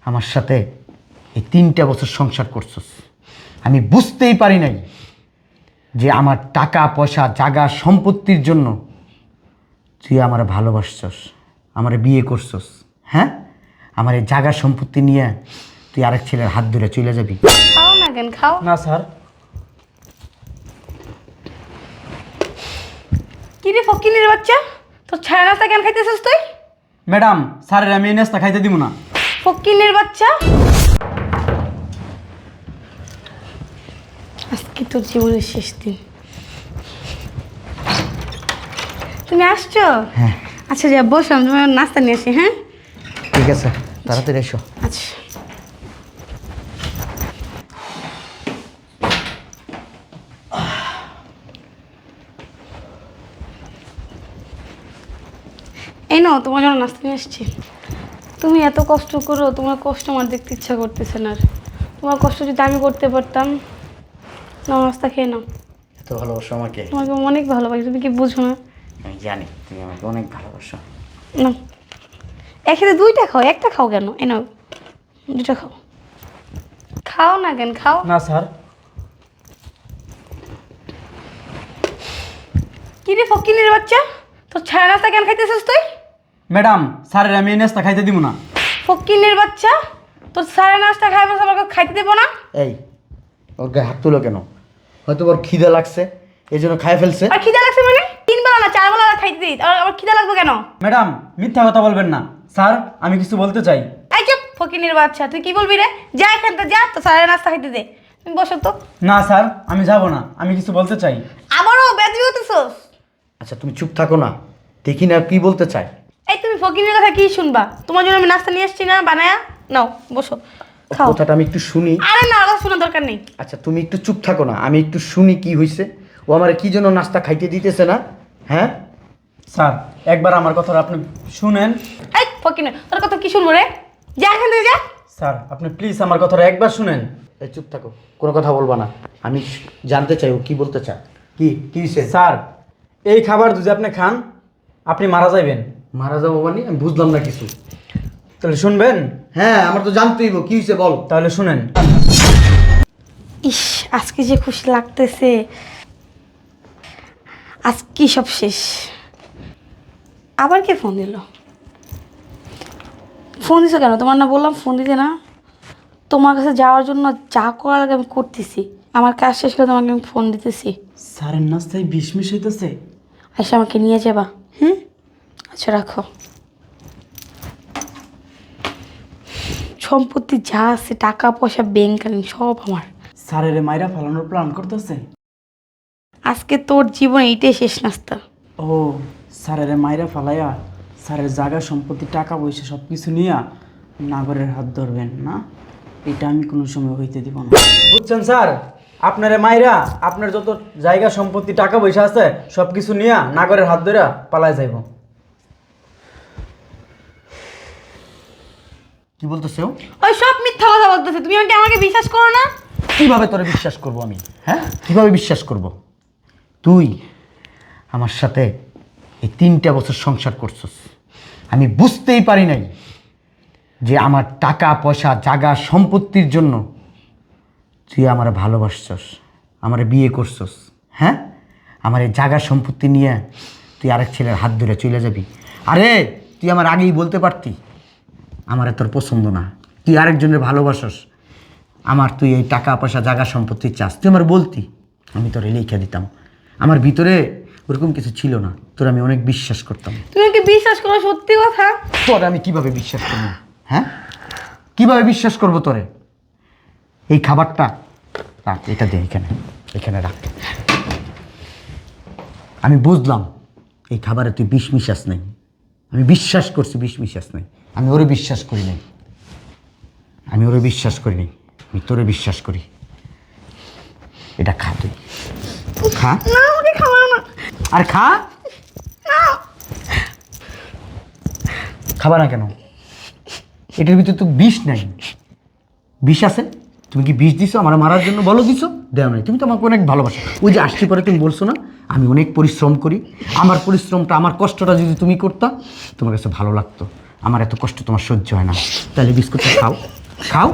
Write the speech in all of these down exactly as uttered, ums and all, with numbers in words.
আমার সাথে এই তিনটা বছর সংসার করছস, আমি বুঝতেই পারি নাই যে আমার টাকা পয়সা জায়গা সম্পত্তির জন্য তুই আমার ভালোবাসছস, আমার বিয়ে করছস। হ্যাঁ, আমার এই জায়গা সম্পত্তি নিয়ে তুই আরেক ছেলের হাত ধরে চলে যাবি। খাও না কেন খাও না স্যার। কি রে ফকিনের বাচ্চা, তোর ছায়া নাস্তা কেন খাইতেছিস তুই? ম্যাডাম, স্যারের আমি এই নাস্তা খাইতে দিব না। ফকিনের বাচ্চা, আজকে তোর জীবনের শেষ দিন। তুমি আসছো? হ্যাঁ। আচ্ছা যা বসো, আমি তোমার নাস্তা নিয়ে আসি। হ্যাঁ ঠিক আছে, তাড়াতাড়ি এসো। আচ্ছা। এই নাও, তোমার জন্য নাস্তা নিয়ে আসছি। তুমি এত কষ্ট করো, তোমার কষ্ট আমার দেখতে ইচ্ছা করতেছে না আর। তোমার কষ্ট যদি আমি করতে পারতাম। নাও নাস্তা খেয়ে নাও। এত ভালোবাসো আমাকে? তোমাকে অনেক ভালোবাসি, তুমি কি বুঝো না? আমি জানি তুমি আমাকে অনেক ভালোবাসো। না, একসাথে দুইটা খাও, একটা খাও কেন? এই নাও, দুটা খাও। খাও না কেন খাও। না স্যার। কি রে ফকিনের বাচ্চা, তোর ছায়া নাস্তা কেন খাইতেছিস তুই? ম্যাডাম, স্যারের আমি এই নাস্তা খাইতে দিব না। ফকিনের বাচ্চা, তোর ছায়া নাস্তা খাইবে আমাকে খাইতে দেবো না? এই, ওর গায়ে হাত তুলো কেন? হয়তো ওর খিদে লাগছে এই জন্য খাই ফেলছে। আর খিদা লাগছে মানে? তিন বেলা না চার বেলা খাইতে দিই, আর আমার খিদা লাগবে কেন? ম্যাডাম, মিথ্যা কথা বলবেন না। স্যার, আমি কিছু বলতে চাই। এই চুপ ফকিনের বাচ্চা, তুই কি বলবি রে? যা এখান থেকে যা, তো ছায়া নাস্তা খাইতে দে। তুমি বসো তো। না স্যার, আমি যাব না, আমি কিছু বলতে চাই। আবারও বেদবি হতেছস? আচ্ছা তুমি চুপ থাকো না, দেখি না কি বলতে চায়। এই তুমি ফকিনের কথা কি শুনবা? তোমার জন্য আমি নাস্তা নিয়ে আসছি না বানায়া। নাও বসো, খাও। কথাটা আমি একটু শুনি। আরে না, কথা শোনার দরকার নেই। আচ্ছা তুমি একটু চুপ থাকো না, আমি একটু শুনি কি হয়েছে। ও আমার কি জন্য নাস্তা খাইতে দিতেছে না? হ্যাঁ স্যার, একবার আমার কথাটা আপনি শুনেন। এই ফকিনের, তোর কথা কি শুনবো রে? যা এখান থেকে যা। স্যার, আপনি প্লিজ আমার কথাটা একবার শুনেন। এই চুপ থাকো, কোনো কথা বলবা না। আমি জানতে চাই ও কি বলতে চায়। কি কি হয়েছে? স্যার, এই খাবার যদি আপনি খান, আপনি মারা যাইবেন। মারা যাবো মানে? আমি বুঝলাম না কিছু। তাহলে শুনবেন? হ্যাঁ, আমার তো জানতেই হইব, কি হয়েছে বল। তাহলে শুনেন। ইস, আজকে যে খুশি লাগতেছে, আজকে সব শেষ। আবার কে ফোন দিল? ফোন দিছো কেন? তোমার না বললাম ফোন দিতে না? তোমার কাছে যাওয়ার জন্য যা করার আগে আমি করতেছি। আমার কাজ শেষ করে তোমাকে আমি ফোন দিতেছি। স্যারের নাস্তায় বিষ মিশ হইতেছে। আচ্ছা আমাকে নিয়ে যাবা? হুম, আচ্ছা রাখো। সম্পত্তি যা আছে, টাকা পয়সা ব্যাংক সব আমার। স্যারের মাইরা ফালানোর প্ল্যান করতেছে। আজকে তোর জীবন এইটাই শেষ নাস্তা। ও, স্যারের মাইরা ফালাইয়া স্যারের জায়গা সম্পত্তি টাকা পয়সা সব কিছু নিয়ে নাগরের হাত ধরবেন না? এটা আমি কোনো সময় হইতে দিব না, বুঝছেন স্যার? আপনার মাইরা আপনার যত জায়গা সম্পত্তি টাকা পয়সা আছে সব কিছু নিয়ে নাগরের হাত ধরে পালায় যাইব। কি বলতেছে ও? ওই সব মিথ্যা কথা বলতেছে। তুমি আমাকে আমাকে বিশ্বাস করো না? কিভাবে তোরে বিশ্বাস করব আমি? হ্যাঁ, কিভাবে বিশ্বাস করব? তুই আমার সাথে এই তিনটা বছর সংসার করছস, আমি বুঝতেই পারি নাই যে আমার টাকা পয়সা জায়গা সম্পত্তির জন্য তুই আমার ভালোবাসছস, আমার বিয়ে করছস। হ্যাঁ, আমার এই জায়গা সম্পত্তি নিয়ে তুই আরেক ছেলের হাত ধরে চলে যাবি। আরে তুই আমার আগেই বলতে পারতি আমার তোর পছন্দ না, তুই আরেকজনের ভালোবাসস, আমার তুই এই টাকা পয়সা জায়গা সম্পত্তি চাস, তুই আমার বলতি, আমি তোরে লিখে দিতাম। আমার ভিতরে ওরকম কিছু ছিল না, তোর আমি অনেক বিশ্বাস করতাম। তুমি আমাকে বিশ্বাস করো? সত্যি কথা। তোরে আমি কিভাবে বিশ্বাস করবো? হ্যাঁ, কিভাবে বিশ্বাস করবো তোরে? এই খাবারটা রাখ, এটা দে, এখানে এখানে রাখ। আমি বুঝলাম এই খাবারে তুই বিষ মিশাস নাই, আমি বিশ্বাস করছি বিষ মিশাস নাই। আমি ওরে বিশ্বাস করি নাই, আমি ওরে বিশ্বাস করি নাই, আমি তোরে বিশ্বাস করি। এটা খা, তুই খা। না, আমাকে খাওয়াও না। আর খা। খাবা না কেন? এটার ভিতরে তো বিষ নাই। বিষ আছে? তুমি কি বিষ দিছো আমার মারার জন্য? বলো দিছো? দেও নাই। তুমি তো আমাকে অনেক ভালোবাসো। ওই যে আসছি পরে তুমি বলছো না আমি অনেক পরিশ্রম করি, আমার পরিশ্রমটা আমার কষ্টটা যদি তুমি করতা তোমার কাছে ভালো লাগতো। আমার এত কষ্ট তোমার সহ্য হয় না, তাহলে বিস্কুটটা খাও। খাও।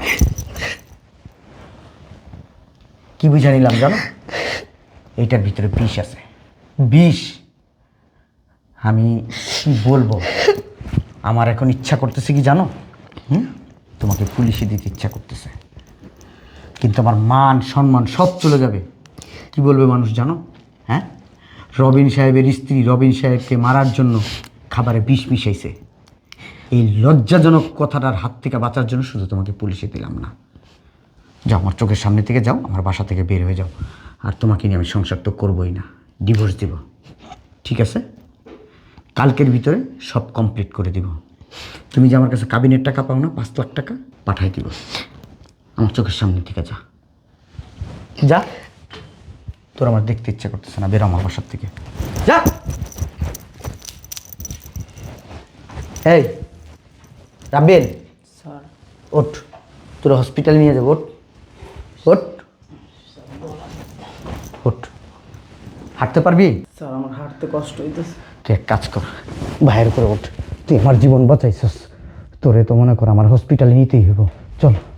কি বুঝা নিলাম জানো, এইটার ভিতরে বিষ আছে, বিষ। আমি কি বলবো, আমার এখন ইচ্ছা করতেছে কি জানো, হুম, তোমাকে পুলিশে দিতে ইচ্ছা করতেছে, কিন্তু আমার মান সম্মান সব চলে যাবে। কি বলবে মানুষ জানো? হ্যাঁ, রবিন সাহেবের স্ত্রী রবিন সাহেবকে মারার জন্য খাবারে বিষ মিশাইছে। এই লজ্জাজনক কথাটার হাত থেকে বাঁচার জন্য শুধু তোমাকে পুলিশে দিলাম না। যাও, আমার চোখের সামনে থেকে যাও, আমার বাসা থেকে বের হয়ে যাও। আর তোমাকে নিয়ে আমি সংসার তো করবোই না, ডিভোর্স দিব। ঠিক আছে? কালকের ভিতরে সব কমপ্লিট করে দিব। তুমি যে আমার কাছে কাবিনের টাকা পাও না, পাঁচ লাখ টাকা পাঠাই দিব। আমার চোখের সামনে থেকে যা, যা। তোর আমার দেখতে ইচ্ছা করতেছে না, বেরো আমার বাসার থেকে, যা। এই রাবেল, স্যার ওঠ, তোরা হসপিটালে নিয়ে যাবো। ওঠ, ওঠ, ওঠ। হাঁটতে পারবি? স্যার আমার হাঁটতে কষ্ট হইতেছে। তুই এক কাজ কর, বাইরে করে ওঠ। তুই আমার জীবন বাঁচাইছস, তোরে তো মনে কর আমার হসপিটালে নিতেই হইব। চল।